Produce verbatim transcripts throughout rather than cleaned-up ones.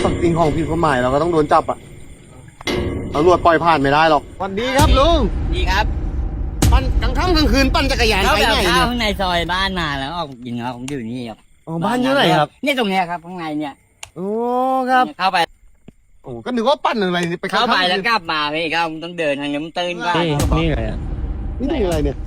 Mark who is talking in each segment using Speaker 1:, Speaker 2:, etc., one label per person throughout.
Speaker 1: สิ่งของผิดกฎหมายเราก็ต้องโดนจับอ่ะตำรวจปล่อยผ่านไม่ได้หรอกสวัสดีครับลุง
Speaker 2: ดีครับ
Speaker 1: ปั่นกลางค่ำกลางคืนปั่นจักรยาน
Speaker 2: เขา
Speaker 1: ไป
Speaker 2: แบบ
Speaker 1: ไหน
Speaker 2: เข้า
Speaker 1: เนี่ย
Speaker 2: ข้างในซอยบ้านมาแล้วออกยิงครับผมอยู่นี่ครับ
Speaker 1: อ๋อบ้านอยู่ไหนครับ
Speaker 2: เนี่ยตรงเนี้ยครับข้างในเนี่ย
Speaker 1: โอ้ครับ
Speaker 2: เข้าไป
Speaker 1: โอ้ก็นึกว่าปั่นอะไรไป
Speaker 2: เข้าไป
Speaker 1: ค่ำ
Speaker 2: แล้วกลับมาพี่ก็ต้องเดินทางนี้มันตื้นบ้าง
Speaker 3: นี่นี่อะไรอ่ะ
Speaker 1: นี่ถึงอะไรเนี่ย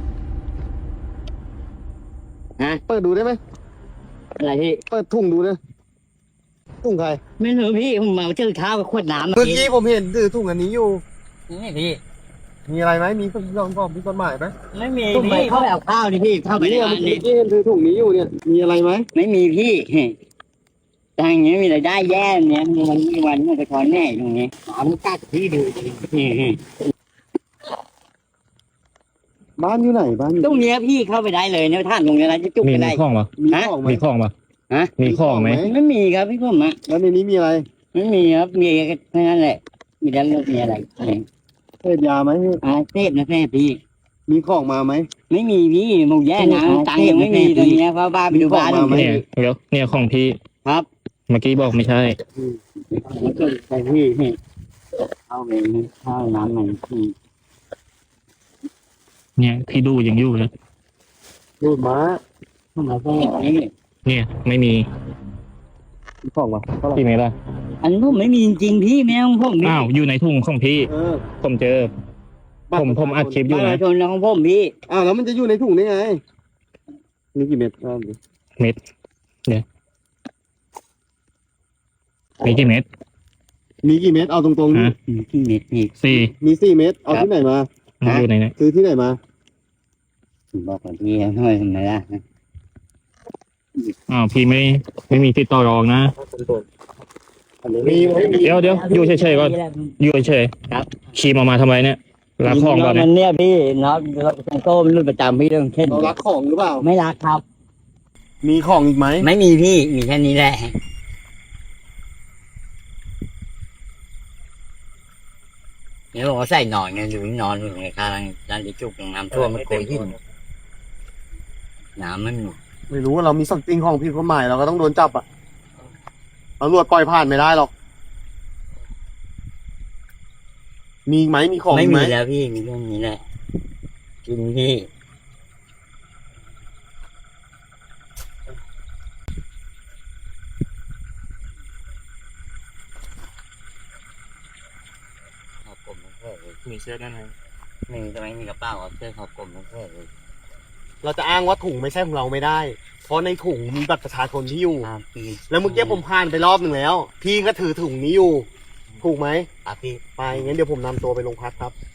Speaker 2: ฮะ
Speaker 1: เปิดดูได้ไหม
Speaker 2: อะไรพี่
Speaker 1: เปิดถุงดูนะถุงใคร
Speaker 2: ไม่รู้พี่ผมมาซื้อข้าวกับขวดน้ำ
Speaker 1: เมื่อกี้ผมเห็นถือถุงอันนี้อยู่
Speaker 2: นี่พี่
Speaker 1: มีอะไรไหมมีสิ่งของผิดกฎหมายไหม
Speaker 2: ไม่มีพี่เข้าไปเอาข้าวนี่พี่เข้าไปใน
Speaker 1: เนี่ย
Speaker 2: ร้า
Speaker 1: เมื่
Speaker 2: น
Speaker 1: อ
Speaker 2: นี่
Speaker 1: กี้เห็นถือถุงนี้อยู่เนี่ยมีอะไรไหม
Speaker 2: ไม่มีพี่ทางนี้มีรายได้แย่เนี่ยมันมีวันมันจะคอยแน่ตรงนี้หามันกัดพี่ดูนี่
Speaker 1: บ้านอยู่ไหนบ้านอยู่
Speaker 2: ตรงเนี้ยพี่เข้าไปได้เลยเนี่ยท่านตรงนี้นะจะจุก
Speaker 3: มี
Speaker 2: ไป
Speaker 3: มี
Speaker 2: ได้
Speaker 3: ข้องปะ
Speaker 1: มี
Speaker 2: ฮะ
Speaker 1: ของไหม
Speaker 3: มีข้องปะ
Speaker 2: ฮะ
Speaker 3: มีข้องไหม
Speaker 2: ไม่มีครับพี่ผมอะ
Speaker 1: แล้วในนี้มีอะไร
Speaker 2: ไม่มีครับมีแค่นั้นแหละมีแล้วมีอะไร
Speaker 1: เสพยาไหม
Speaker 2: อาเทพนะแม่พี่
Speaker 1: มีของมาไหม
Speaker 2: ไม่มีพี่หมูแย่นะตังค์ยังไม่มีตอนนี้เพราะบ้านไปดูบ้าน
Speaker 1: มีของมาไหม
Speaker 3: เนี่ยเดี๋ยวเนี่ยของพี่
Speaker 2: ครับ
Speaker 3: เมื่อกี้บอกไม่ใช่
Speaker 2: แล้วก็ไปพี่พี่เข้าไปเข้าน้ำมันพี่
Speaker 3: เนี่ยพี่ดูยังอยู่เลย
Speaker 1: รูดม้า
Speaker 2: เข้ามาแค่นี้
Speaker 3: เนี่ยไม่มี
Speaker 1: มีของมาเท่าไหร่
Speaker 3: พี่ไม่ได้
Speaker 2: อันนี้ผมไม่มีจริงๆพี่ไม่ต้องผมพี่
Speaker 3: อ้าวอยู่ในถุงของพี่
Speaker 1: เออ
Speaker 3: ผมเจอ ผมผมอัดคลิปอยู่
Speaker 2: ประ
Speaker 3: นะ
Speaker 2: ชาชนของผมพี่
Speaker 1: อ้าวแล้วมันจะอยู่ในถุงได้ไงมีกี่เม็ดอ่า
Speaker 3: มีกี่เม็ด
Speaker 1: มีกี่เม็ดเอาตรงๆนี่
Speaker 3: ฮะ
Speaker 2: ที่เม็ดพี่
Speaker 3: สี่
Speaker 1: มีสี่เม็ดเอาที่ไหนมา
Speaker 3: มันอยู่ในนี้
Speaker 1: ซื้อที่ไหนมา
Speaker 2: บอกกับพี่ทำไมทำไมล่ะ
Speaker 3: อ้าวพี่ไม่ไม่มีติดต่อรองนะ
Speaker 1: มีไหมมี
Speaker 3: เดี๋ยวเดี๋ยวอยู่เฉยๆก่อนอยู่เฉย
Speaker 2: ครับ
Speaker 3: ๆขี่มามาทำไมเนี่ยรักของก่อน
Speaker 2: มั
Speaker 3: เนี่ย
Speaker 2: นเนี่ยพี่น็อตโต้มันรุ่นประจำพี่เรื่องเช่น
Speaker 1: เรารักของหรือเปล่า
Speaker 2: ไม่รักครับ
Speaker 1: มีของอีกไหม
Speaker 2: ไม่มีพี่มีแค่นี้แหละเนี่ยบอกว่าใส่หนอนไงอยู่นอนอยู่ในข้างร้านดิจุกน้ำท่วมมันโกยหินน้ำมัน
Speaker 1: ไม่รู้ว่าเรามีสิ่งของผิดกฎหมายเราก็ต้องโดนจับอ่ะตำรวจปล่อยผ่านไม่ได้หรอกมีไหมมีของ
Speaker 2: ไม่
Speaker 1: อีกไห
Speaker 2: มี
Speaker 1: ม
Speaker 2: แล้วพี่มีเรื่องนี้แหละกินพี่ขอบกลมทั้งเพื่อเลย
Speaker 3: มีเสื้อด้านใน
Speaker 2: ไม่มีทำไมมีกระเป๋าเอาเสื้อขอบกลมทั้งเพื่อเลย
Speaker 1: เราจะอ้างว่าถุงไม่ใช่ของเราไม่ได้ เพราะในถุงมีบัตรประชาชนที่อยู่
Speaker 2: ครับพี่
Speaker 1: แล้วเมื่อกี้ผมผ่านไปรอบหนึ่งแล้ว พี่ก็ถือถุงนี้อยู่ ถูกไหม
Speaker 2: ครับพี่
Speaker 1: ไปงั้นเดี๋ยวผมนำตัวไปโรงพักครับ